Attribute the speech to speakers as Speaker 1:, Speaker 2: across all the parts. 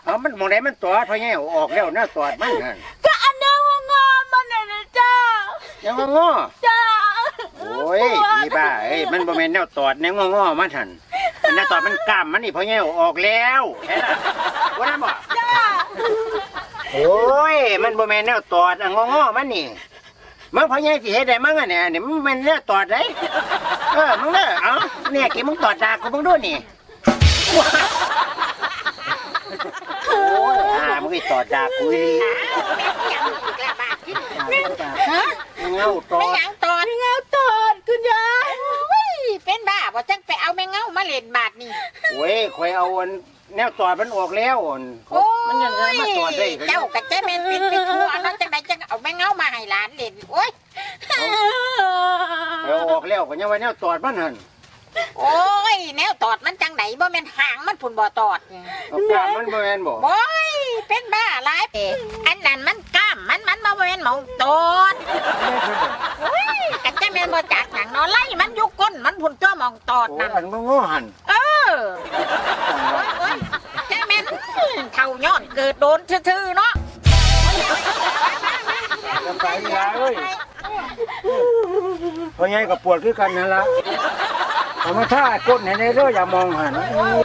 Speaker 1: เอามันมองไหนมันตอดเพราะไงออกแล้วหน้าตอดมันนั่น
Speaker 2: ก็อันนั้นงอมันน่ะนะจ้า
Speaker 1: ยังงอ
Speaker 2: จ้า
Speaker 1: โอ้ยพี่บ้าเอ้ยมันบ่แม่นแนวตอดแนวงอมันหั่นอันแนวตอดมันกล้ามมันนี่เพราะไงออกแล้วเห็นล่ะว่านั่นบ่
Speaker 2: จ้า
Speaker 1: โอ้ยมันบ่แม่นแนวตอดงอมันนี่มันเพราะไงสิเฮ็ดได้มั้งอ่ะเนี่ยนี่มันแม่นแนวตอดได้มึงเด้อเอ้าเนี่ยกี่มึงตอดดากกูมึงดูนี่โอ้ยมึงไอ้ตอดดากกูอีเงาตอ
Speaker 3: ไม่
Speaker 1: ด
Speaker 3: หยังตอน
Speaker 2: เงาตอดคุณยาย
Speaker 3: เป็นบ้าบ่จังไปเอาแมงเงามาเล่นบาดนี่
Speaker 1: โอ้ยข่อยเอาอันแนวตอดมันออกแล้วอันมันยังมาตอดได้
Speaker 3: เจ้ากับเจ๊แม่นเป็นไปทั่วเนาะจังไดจังเอาแมงเงามาให้หลานเล่นโอ้ย
Speaker 1: เอาออกแล้วก็ยังว่าแนวตอดมันหั่น
Speaker 3: โอ้ยแนวตอดมันจังไดบ่แม่นหางมันพุ่นบ่ตอด
Speaker 1: เอากล้ามมันบ่แม่นบ่
Speaker 3: โอ้ยเป็นบ้าหลายเด้อันนั้นมันกล้ามมันบ่แม่นหมองตอดโอ้ยกับเจ๊แม่นบ่จักหยังเนาะไล่มันอยู่ก้นมันพุ่นตัวหมองตอด
Speaker 1: โอ้
Speaker 3: นั่น
Speaker 1: อันงอหั่น
Speaker 3: โอ้ยเจ๊แม่นเท่าย้อนเกิดโดนซื่อๆเนาะ
Speaker 1: ลำบากยาเอ้ยเพราะไงก็ปวดคือกันนั่นล่ะเอามาท่าก้นให้ในเด้ออย่ามองหั่น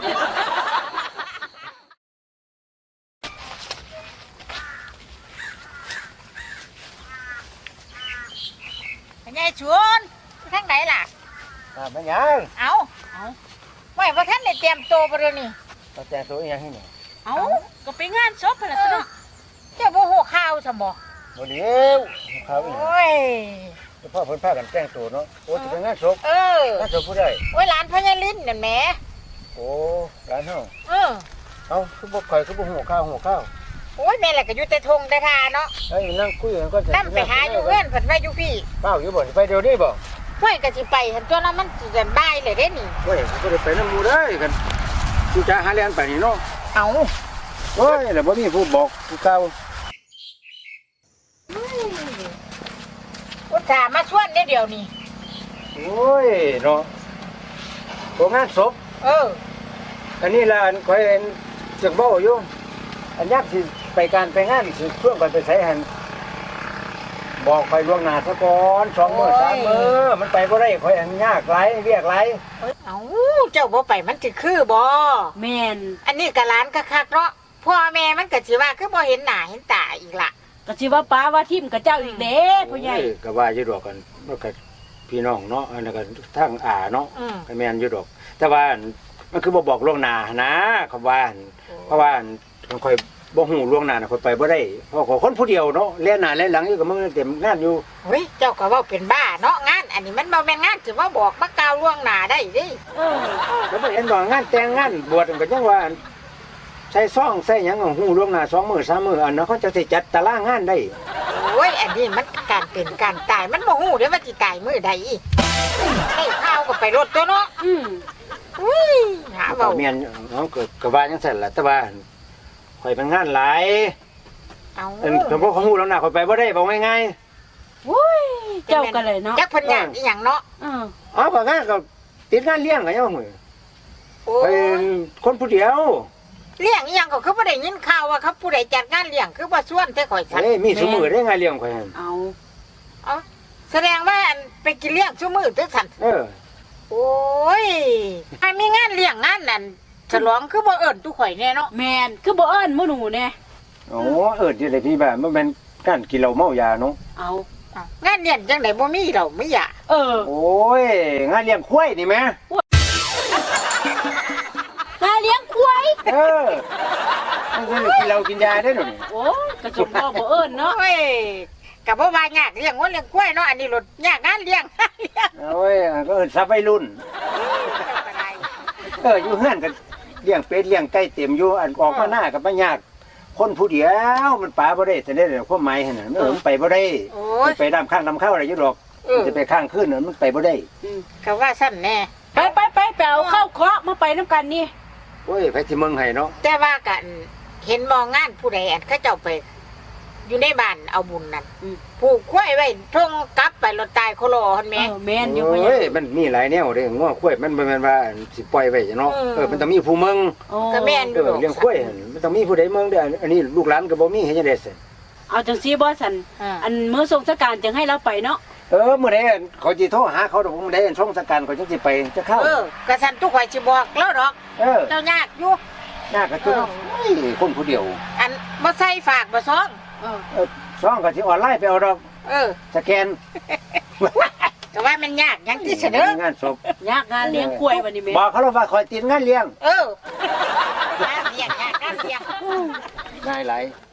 Speaker 3: เป็นไงชวนทางไหนล่ะ
Speaker 1: มันยัง
Speaker 3: เอาไว้ว่าท่านได้เตรียมตัวไปเลยนี่
Speaker 1: เอาแต่ตัวอีหยังให้นี่
Speaker 3: เอาก็ไปงานศพไปละสิเนาะเจ้าบ่ฮู้ข่าวซะบ่
Speaker 1: บ่เดี๋ยวเขาอีก
Speaker 3: โอ้ย
Speaker 1: พ่อเพิ่นพากันแต่งตัวเนาะโอ้สิเป็นงานศพ
Speaker 3: เออง
Speaker 1: านศพผู้ใด
Speaker 3: โอ้ยหลานพ่อยายลิ้นนั่นแหม
Speaker 1: โอ้ร้านเฮา
Speaker 3: เออ
Speaker 1: เอ้าคือบ่ข่อยคือบ่ฮู้ข้าวฮู้ข้าว
Speaker 3: โอ้ยแม่ล่ะก็อยู่แต่ทงแต่ทาเนาะ
Speaker 1: เอ้ยนั่งคุยกันก่อน
Speaker 3: นำไปหาอยู่เฮือนเพิ่นไว้อยู่พี่
Speaker 1: เป้าอยู่บ่ไปเดี๋ยวนี้บ่
Speaker 3: ห้วยก็สิไปหั่นตัวนั้นมันสิจะบ่ายเลยเด้นี่
Speaker 1: เฮ้ยบ่ได้ไปนำหมู่ได้กันสิจะหาเรียนไปนี่เนาะ
Speaker 3: เอา
Speaker 1: โอ้ยแล้วบ่มีผู้บอกผู้เก่า
Speaker 3: อุตส่าห์มาชวนได้เดี๋ยวนี้
Speaker 1: โอ้ยเนาะบ่งานศพ
Speaker 3: เออ
Speaker 1: อันนี้ล่ะอันข่อยเห็นจักเว้าอยู่อันยามสิไปการไปงานสิเพื่อนไปไสหั่นบอกข่อยล่วงหน้าซะก่อน2มื้อ3มื้อมันไปบ่ได้ข่อยอันยากหลายเรียกหลาย
Speaker 3: เอาเจ้าบ่ไปมันสิคือบ่
Speaker 2: แม่น
Speaker 3: อันนี้ก็หลานคักๆเนาะพ่อแม่มันก็สิว่าคือบ่เห็นหน้าเห็นตาอีกล่ะ
Speaker 2: ก็สิว่าป้าว่าทิมกับเจ้าอีกเด้พ่อใหญ่
Speaker 1: โอ้ยก็ว่าอยู่ดอกกันมันก็พี่น้องเนาะอันนั้นก็ทางอาเนาะ
Speaker 3: อืม
Speaker 1: ก็แม่นอยู่ดอก แต่ว่ามันคือบ่บอกล่วงหน้านะคำว่าเพราะว่าค่อยบ่ฮู้ล่วงหน้าน่ะค่อยไปบ่ได้เพราะคนผู้เดียวเนาะแล่หน้าแล่หลังอยู่ก็มันเต็มงานอยู่
Speaker 3: เฮ้ยเจ้าก็เว้าเป็นบ้าเนาะงาน อันนี้มันบ่แม่นงานสิมาบอกมากล่าวล่วงหน้าได้เดิ
Speaker 2: เออ
Speaker 1: แล้วบ่เห็นว่างานแต่งงานบวชก็ยังว่าใส่ซองใส่หยังก็ฮู้ล่วงหน้า2มื้อ3มื้ออันนั้นเขาจะสิจัดตารางงานได้
Speaker 3: โอ้ยอันนี้มันการเป็นการตายมันบ่ฮู้เด้ว่าสิตายมื้อใดให้ข้าวก็ไปรถตัวเนาะ
Speaker 2: อืม
Speaker 3: อุ้ยหา
Speaker 1: ก็
Speaker 3: เว้า
Speaker 1: แม่นเนาะก็ว่าจังซั่นล่ะแต่ว่าข่อยเป็นงานหลาย
Speaker 3: เอา
Speaker 1: อันเพิ่นบ่ฮู้ล่วงหน้าข่อยไปบ่ได้บอกง่าย
Speaker 2: วุ้ยเจ้าก็เลยเนาะ
Speaker 3: จักเพิ่นอยากอีหยังเนาะ
Speaker 2: เออ
Speaker 1: ๆอ๋อก็งานก็ติดงานเลี้ยงก็ยังมื้อ
Speaker 3: โอ้
Speaker 1: เป็นคนผู้เดียว
Speaker 3: เลี้ยงอีหยังก็คือบ่ได้ยินข่าวว่าเขาผู้ใดจัดงานเลี้ยงคือบ่ชวนแต่ข่อยซั่น
Speaker 1: เอ้ยมีสมือได้ไงเลี้ยงข่อยหั่น
Speaker 2: เอา
Speaker 3: แสดงว่าอันไปกินเลี้ยงซุมื้อแต่ซั่น
Speaker 1: เออ
Speaker 3: โอ้ยไอ้มีงานเลี้ยงงานนั่นฉลองคือบ่เอิ้นตุข่อยแน่เนาะ
Speaker 2: แม่นคือบ่เอิ้นหมู่หนูแน่
Speaker 1: โอ้เออที่ไหนพี่แบบมันเป็นการกินเหล้าเมายาเนาะ
Speaker 2: เอา
Speaker 3: งานเลี้ยงจังได๋บ่มีดอกไม่อยาก
Speaker 2: เออ
Speaker 1: โอ้ยงานเลี้ยงควายนี่แม่
Speaker 2: งานเลี้ยงควาย
Speaker 1: เออมันคือกินเหล้ากินยาได้หนูนี่
Speaker 2: โอ้กระจกบ่เอิ้นเนาะ
Speaker 3: โอ้ยก็บ่ว่ายากเลี้ยงวัวเลี้ยงควายเนาะอันนี้รถยากงานเลี้ยง
Speaker 1: โอ้ยก็เอิ้นซับวัยรุ่นอยู่เฮือนกันเลี้ยงเป็ดเลี้ยงไก่เต็มอยู่อันออกมาหน้ากับบ่ยากคนผู้เดียวมันปาบ่ได้แต่ได้ความหมายหั่นน่ะมันไปบ่ได้
Speaker 3: โอ้
Speaker 1: มั
Speaker 3: ย
Speaker 1: นไปน้ำข้างน้ำเข้าอะไรอยู่ดอกมันจะไปข้างขึ้นน่ะมันไปบ่ได้
Speaker 3: ก็ว่าซั่นแน่
Speaker 2: ไปเอาข้าวเคราะห์มาไปน้ำกันนี่
Speaker 1: โอ้ยไปที่เมืองไห้เนาะ
Speaker 3: แต่ว่ากันเห็นมองงานผู้ใดอันเขาเจ้าไปอยู่ในบ้านเอาบุญนั่น
Speaker 2: อืม
Speaker 3: ผูกควายไว้ท่งกลับไปรถตายโคโลหั่นแห
Speaker 2: เอ
Speaker 3: ม่
Speaker 2: อแม่นอยู่พ่อใหญ่
Speaker 1: โอ้ยมันมีหลายแนวเด้ง้อข้วยมันบ่แม่นว่าสิปล่อยไว้เนาะมันต้องมีผู้เมือง
Speaker 2: โอ้
Speaker 3: ก็แม่นอยู่ดอก
Speaker 1: เลี้ยงข้วยมันต้องมีผู้ใดเมืองเด้ออันนี้ลูกหลานก็บ่มีเฮ็ดจังได๋สิ
Speaker 2: เอาจังซี่บ่สันอันมื้อสงสการจังให้เราไปเนาะ
Speaker 1: มื้อใดเขาสิโทรหาเขาดอกมื้อใดช่องสการเขาจังสิไปจะเข้า
Speaker 3: กระสันทุกข่อยสิบอกแล้วดอก เจ้ายากอยู่
Speaker 1: ยากก็คือคนผู้เดียว
Speaker 3: อันบ่ใส่ฝากบ่ซ้อง
Speaker 1: ช่องก็สิออนไลน์ไปเอาดอก สแกน
Speaker 3: ก็ว่ามันยากหยังที่เสนอง
Speaker 1: านศพ
Speaker 2: ยากงานเลี้ยงกล้วยวันนี้แม่
Speaker 1: บอกเขาว่าคอยติดงานเลี้ยง
Speaker 3: งานเลี้ยง
Speaker 1: ง่ายหลาย